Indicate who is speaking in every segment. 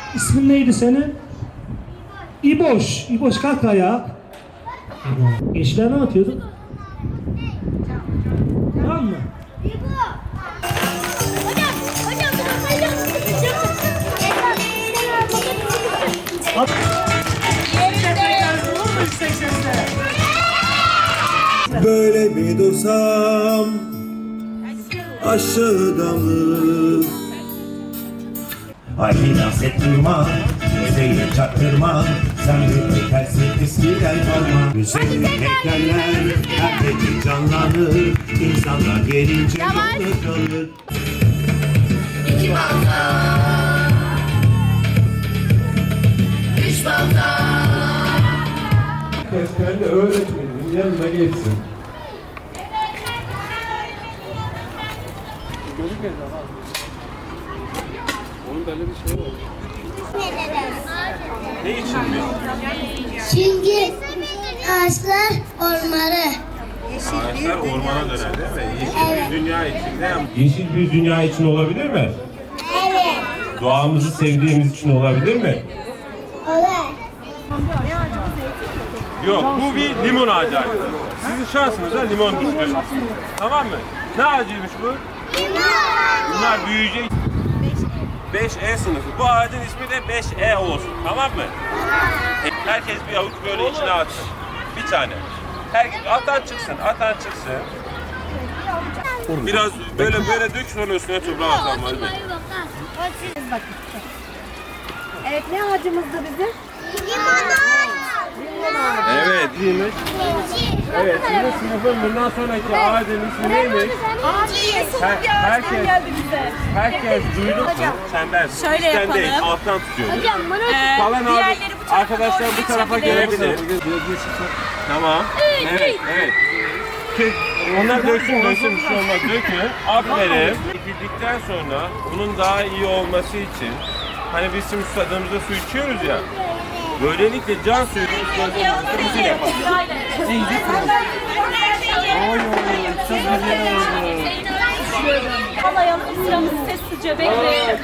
Speaker 1: İsmin neydi senin? İboş. İboş kalk ayağa. Gençler ne atıyordun? Tamam mı? At.
Speaker 2: Böyle bir dursam aşağıda mı? Ay biraz ettirma, özeyi çaktırma. Sen bir ötersin eskiden kalma. Güzel heykeller her gece canlanır. İnsanlar gelince yolda kalır.
Speaker 3: İki balta, üç balta.
Speaker 4: Kendi öğretmenin yanına geçsin.
Speaker 5: Ne için mi?
Speaker 6: Çünkü ağaçlar ormanı.
Speaker 5: Ağaçlar ormana döner değil mi? Yeşil bir dünya içinde. Yeşil bir dünya için olabilir mi?
Speaker 6: Evet.
Speaker 5: Doğamızı sevdiğimiz için olabilir mi?
Speaker 6: Olur.
Speaker 5: Yok, bu bir limon ağacı arkadaşlar. Sizin şansınıza limon düştü. Tamam mı? Ne ağacıymış bu? Bunlar büyüyecek. 5E sınıfı. Bu ağacın ismi de 5E olsun. Tamam mı? Herkes bir avuç böyle içine atsın. Bir tane. Herkes atan çıksın, atan çıksın. Biraz böyle dök sonra üstüne toprağı atalım hadi.
Speaker 7: Evet, ne ağacımızdı bizim?
Speaker 5: Evet, iyiymiş. Evet, sizin sınıfın bundan sonraki ağacın ismi neymiş? Herkes duydu mu? Senden.
Speaker 7: Şöyle
Speaker 5: Sen
Speaker 7: yapalım.
Speaker 5: değil, alttan tutuyoruz.
Speaker 7: Diğerleri
Speaker 5: Kalan
Speaker 7: bu tarafa
Speaker 5: arkadaşlar bu tarafa
Speaker 7: doğru
Speaker 5: gelebilir. Tamam. Evet. Onlar döksün bir şey olmaz. Dökün. Aferin. Dikildikten sonra bunun daha iyi olması için hani biz şimdi susadığımızda su içiyoruz ya. Böylelikle can suyunu ısladığımızda yapalım.
Speaker 7: Çok güzel oldu. Kalayalım, sıramızı sessizce bekleyelim.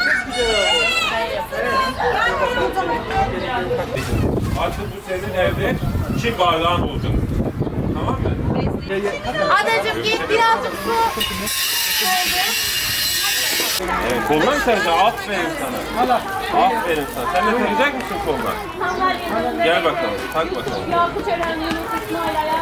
Speaker 5: Artık bu senin evde çim bardağın olacak. Tamam mı?
Speaker 7: Adacığım git birazcık su.
Speaker 5: Evet, koluna mı saracaksın? Aferin sana. Aferin sana. Sen de takacak mısın koluna? Gel bakalım, tak bakalım.
Speaker 7: Yakup Eren, Yunus İsmail